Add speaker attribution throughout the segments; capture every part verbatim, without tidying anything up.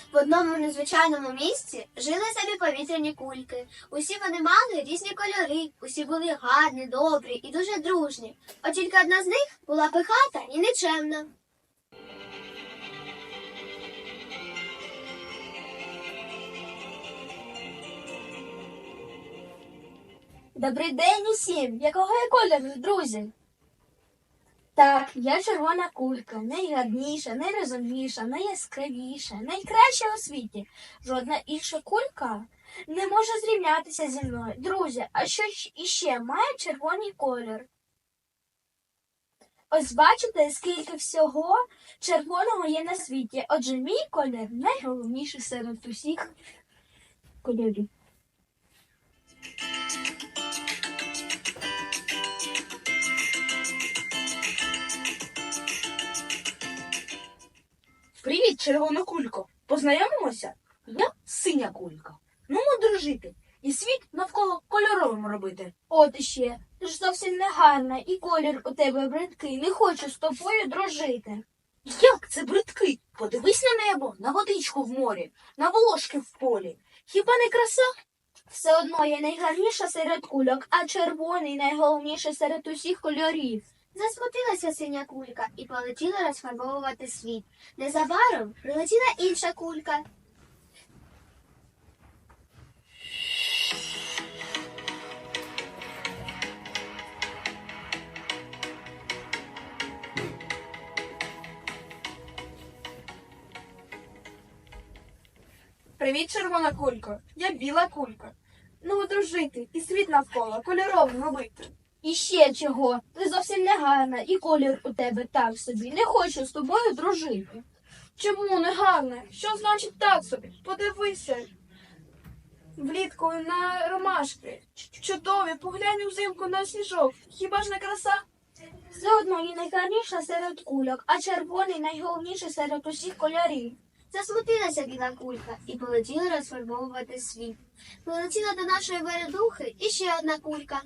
Speaker 1: В одному незвичайному місці жили собі повітряні кульки. Усі вони мали різні кольори, усі були гарні, добрі і дуже дружні. От тільки одна з них була пихата і нечемна.
Speaker 2: Добрий день усім! Якого я кольору, друзі? Так, я червона кулька, найгарніша, найрозумніша, найяскравіша, найкраща у світі. Жодна інша кулька не може зрівнятися зі мною. Друзі, а що ж іще має червоний колір? Ось бачите, скільки всього червоного є на світі. Отже, мій колір найголовніший серед усіх кольорів.
Speaker 3: Привіт, червона кулько. Познайомимося? Я синя кулька. Ну, ми дружити. І світ навколо кольоровим робити.
Speaker 2: От іще, ти ж зовсім не гарна, і колір у тебе бридкий. Не хочу з тобою дружити.
Speaker 3: Як це бридкий? Подивись на небо, на водичку в морі, на волошки в полі. Хіба не краса?
Speaker 2: Все одно я найгарніша серед кульок, а червоний найголовніший серед усіх кольорів.
Speaker 1: Засмутилася синя кулька і полетіла розфарбовувати світ. Незабаром прилетіла інша кулька.
Speaker 3: Привіт, червона кулько. Я біла кулька. Ну, дружити і світ навколо кольоровим робити.
Speaker 2: І ще чого? Ти зовсім не гарна, і колір у тебе так собі. Не хочу з тобою дружити.
Speaker 3: Чому не гарне? Що значить так собі? Подивися. Влітку на ромашки. Ч- Чудові, поглянь взимку на сніжок. Хіба ж не краса?
Speaker 2: Все одно я найгарніша серед кульок, а червоний найголовніший серед усіх кольорів.
Speaker 1: Засмутилася біла кулька і полетіла розфарбовувати світ. Полетіла до нашої вередухи і ще одна кулька.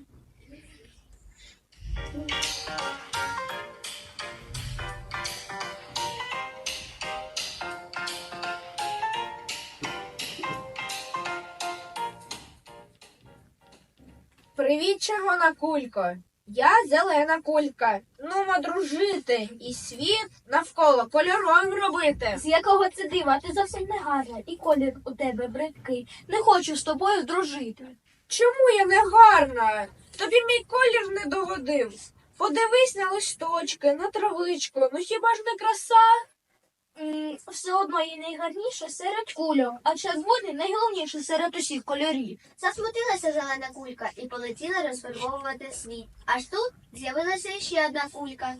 Speaker 3: Привіт, червона кулько. Я зелена кулька. Нумо дружити і світ навколо кольоровим робити.
Speaker 2: З якого це дива? Ти зовсім не гарна, і колір у тебе бридкий. Не хочу з тобою дружити.
Speaker 3: Чому я не гарна? Тобі мій колір не догодив. Подивись на листочки, на травичку. Ну хіба ж не краса?
Speaker 2: М, Все одно я найгарніша серед кульок, а червоний найголовніший серед усіх кольорів.
Speaker 1: Засмутилася зелена кулька і полетіла розфарбовувати світ. Аж тут з'явилася ще одна кулька.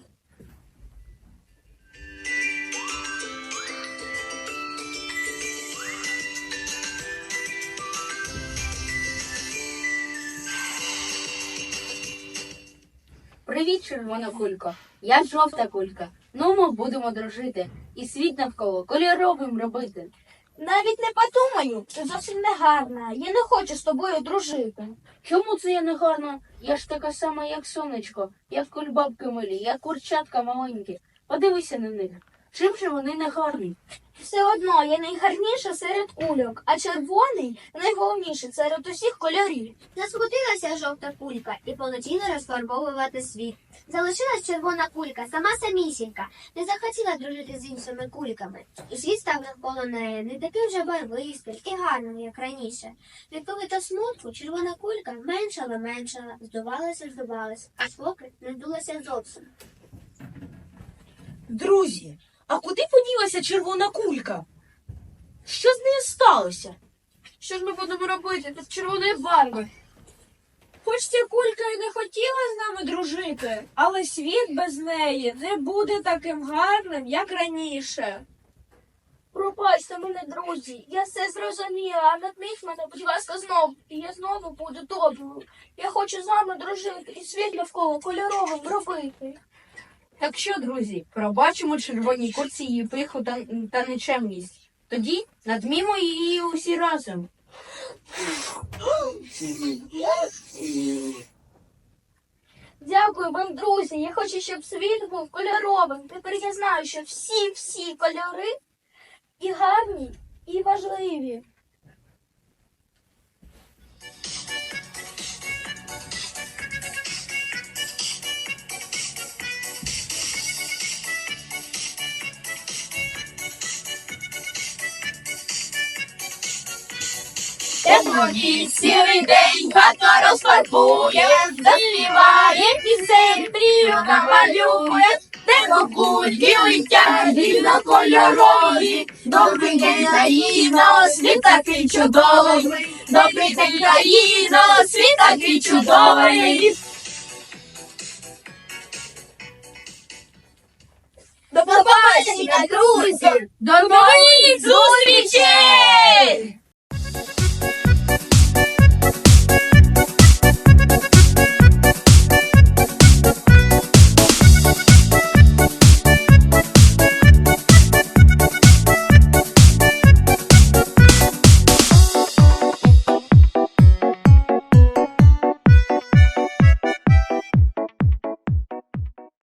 Speaker 4: Привіт, червона кулько. Я жовта кулька. Ну, ми будемо дружити і світ навколо кольоровим робити.
Speaker 2: Навіть не подумаю, ти зовсім не гарна. Я не хочу з тобою дружити.
Speaker 4: Чому це я не гарна? Я ж така сама, як сонечко, як кульбабки милі, як курчатка маленькі. Подивися на них. Чим же вони не гарні?
Speaker 2: Все одно я найгарніша серед кульок, а червоний найголовніший серед усіх кольорів.
Speaker 1: Засмутилася жовта кулька і полетіла розфарбовувати світ. Залишилась червона кулька, сама самісінька, не захотіла дружити з іншими кульками. І світ став навколо неї не таким вже барвистим і гарним, як раніше. Від та смутку червона кулька меншала, меншала, здувалася, здувалася, аж поки не здулася зовсім.
Speaker 3: Друзі, а куди поділася червона кулька? Що з нею сталося? Що ж ми будемо робити тут червоної барви? Хоч ця кулька і не хотіла з нами дружити, але світ без неї не буде таким гарним, як раніше.
Speaker 2: Пробачте мене, друзі, я все зрозуміла, а надміть мене, будь ласка, знову, і я знову буду доброю. Я хочу з вами дружити і світ навколо кольоровим робити.
Speaker 4: Так що, друзі, пробачимо червоній курці її пиху та, та нечемність. Тоді надмімо її усі разом.
Speaker 2: Дякую вам, друзі. Я хочу, щоб світ був кольоровим. Тепер я знаю, що всі-всі кольори і гарні, і важливі.
Speaker 3: Теплоді цілий день хата розфарбує, заспіває пісень, мрію намалює, де кульки летять різнокольорові. Добрий день, країно, світ такий чудовий. Добрий день, країно, світ такий чудовий.
Speaker 2: До побачення, друзі!
Speaker 3: До нових зустрічей!